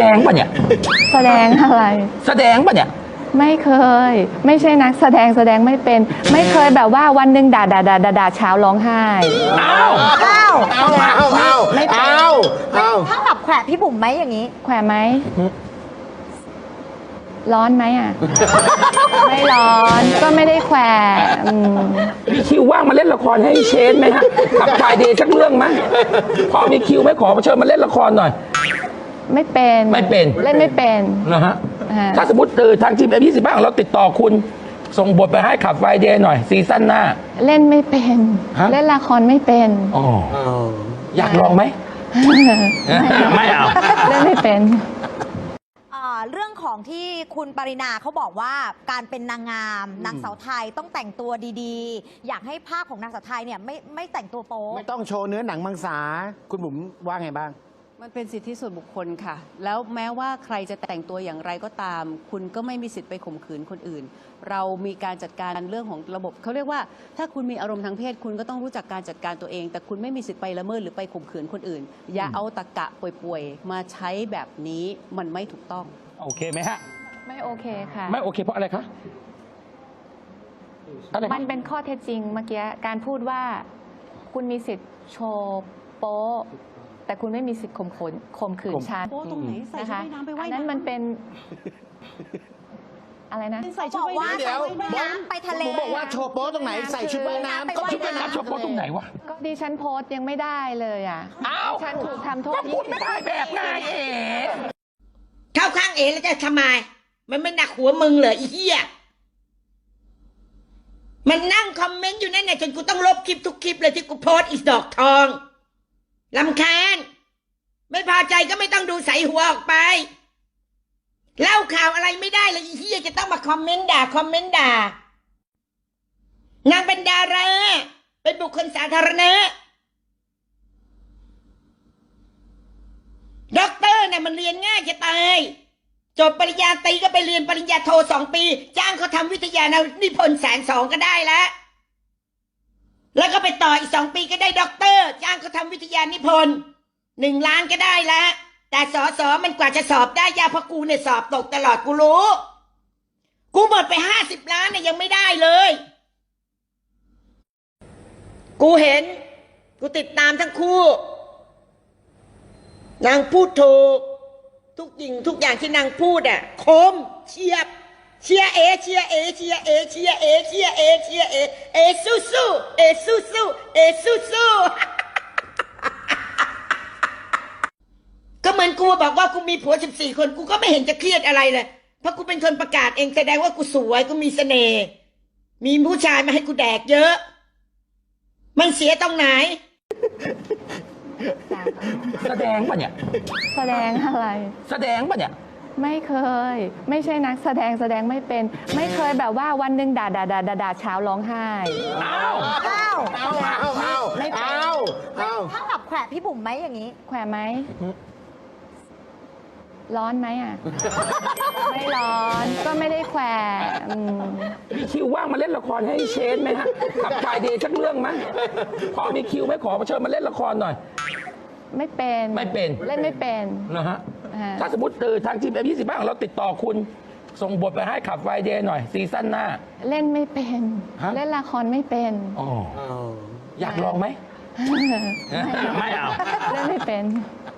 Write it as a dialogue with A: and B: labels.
A: ดงป่ะเนี่ย
B: แสดงอะไร
A: แสดงป่ะเนี่ย
B: ไม่เคยไม่ใช่นักแสดงไม่เป็นไม่เคยแบบว่าวันหนึ่งด่าเช้าร้องไห้
A: อ้าว
B: ไม่เป็น
C: ถ้าแบบแขวะพี่บุ๋มไหมอย่างนี้
B: แขวะไหมร้อนไหมอ่ะไม่ร้อนก็ไม่ได้แขวะ
A: มีคิวว่างมาเล่นละครให้เชนไหมฮะขับไฟเดย์สักเรื่องไหมพอมีคิวไหมขอเชิญมาเล่นละครหน่อย
B: ไม่เป็นเล่นไม่เป็น
A: นะฮะถ้าสมมติทางทีมF20บ้างเราติดต่อคุณส่งบทไปให้ขับไฟเดย์หน่อยซีซั่นหน้า
B: เล่นไม่เป็นเล่นละครไม่เป็น
A: อ๋ออยากลองไหมไม่เอา
B: เล่นไม่เป็น
C: เรื่องของที่คุณปรินาเขาบอกว่าการเป็นนางงามนางสาวไทยต้องแต่งตัวดีๆอยากให้ภาพของนางสาวไทยเนี่ยไม่แต่งตัวโป๊
D: ไม่ต้องโชว์เนื้อหนังมังสาคุณบุ๋มว่าไงบ้าง
E: มันเป็นสิทธิส่วนบุคคลค่ะแล้วแม้ว่าใครจะแต่งตัวอย่างไรก็ตามคุณก็ไม่มีสิทธิ์ไปข่มขืนคนอื่นเรามีการจัดการเรื่องของระบบเขาเรียกว่าถ้าคุณมีอารมณ์ทางเพศคุณก็ต้องรู้จักการจัดการตัวเองแต่คุณไม่มีสิทธิ์ไปละเมิดหรือไปข่มขืนคนอื่นอย่าเอาตะกะป่วยๆมาใช้แบบนี้มันไม่ถูกต้อง
A: โอเคไหมฮะ
B: ไม่โอเคค่ะ
A: ไม่โอเคเพราะอะไรคะ
B: มันเป็นข้อเท็จจริงเมื่อกี้การพูดว่าคุณมีสิทธิ์โชว์โป๊แต่คุณไม่มีสิทธิ์ข่มขืนฉัน
E: โป๊ตรงไหนใส่ชุดว่ายน้ำไปว่ายน้ำ
B: นั้นมันเป็นอะไรนะ
E: ใส่ชุดว่ายน้ำ
C: เดี๋ยวไปทะเล
D: บอกว่าโชว์โป๊ตรงไหนใส่ชุดว่ายน้ำ
A: ก็ชุดว่ายน้ำโชว์โป๊ตรงไหนวะ
B: ก็ดิฉันโพสยังไม่ได้เลยอ่ะฉันถูกทำโทษ
A: พูดไม่ได้แบบไง
F: เข้าข้างแล้วจะทำไมมันไม่หนักหัวมึงเหรออีเหี้ยมันนั่งคอมเมนต์อยู่นั่นไงจนกูต้องลบคลิปทุกคลิปเลยที่กูโพสอีดอกทองรำคาญไม่พอใจก็ไม่ต้องดูใส่หัวออกไปเล่าข่าวอะไรไม่ได้เลยอีเหี้ยจะต้องมาคอมเมนต์ด่านางเป็นดาราเป็นบุคคลสาธารณะด็อกเตอร์เนี่ยมันเรียนง่ายจะตายจบปริญญาตรีก็ไปเรียนปริญญาโท2 ปีจ้างเขาทำวิทยานิพนธ์120,000ก็ได้แล้วก็ไปต่ออีก2 ปีก็ได้ด็อกเตอร์จ้างเขาทำวิทยานิพนธ์1 ล้านก็ได้แล้วแต่สมันกว่าจะสอบได้ยากเพราะกูเนี่ยสอบตกตลอดกูรู้กูหมดไป50 ล้านเนี่ยยังไม่ได้เลยกูเห็นกูติดตามทั้งคู่นางพูดถูกทุกอย่างที่นางพูดอ่ะคมเชียร์เอสู้ก็เหมือนกูบอกว่ากูมีผัว14 คนกูก็ไม่เห็นจะเครียดอะไรเลยเพราะกูเป็นคนประกาศเองแสดงว่ากูสวยกูมีเสน่ห์มีผู้ชายมาให้กูแดกเยอะมันเสียตรงไหน
A: แสดงป่ะเนี่ย
B: แสดงอะไร
A: แสดงป่ะเนี่ย
B: ไม่เคยไม่ใช่นักแสดงไม่เป็นไม่เคยแบบว่าวันหนึ่งด่าเช้าร้องไห้
C: ไม่เป็นถ้าแบบแขวะพี่บุ๋มไหมอย่างนี้
B: แขวะไหมร้อนไหมอ่ะไม่ร้อนก็ไม่ได้แขวะ
A: มีคิวว่างมาเล่นละครให้เชนไหมฮะขับไฟเดย์สักเรื่องไหมพอมีคิวไหมขอเชิญมาเล่นละครหน่อย
B: ไม่เป็นเล่นไม่เป็น
A: นะฮะถ้าสมมติทางทีมF20บ้างเราติดต่อคุณส่งบทไปให้ขับไฟเดย์หน่อยซีซั่นหน้า
B: เล่นไม่เป็นเล่นละครไม่เป็น
A: อ๋ออยากลองไหม
B: ไม่เอาเล่นไม่เป็น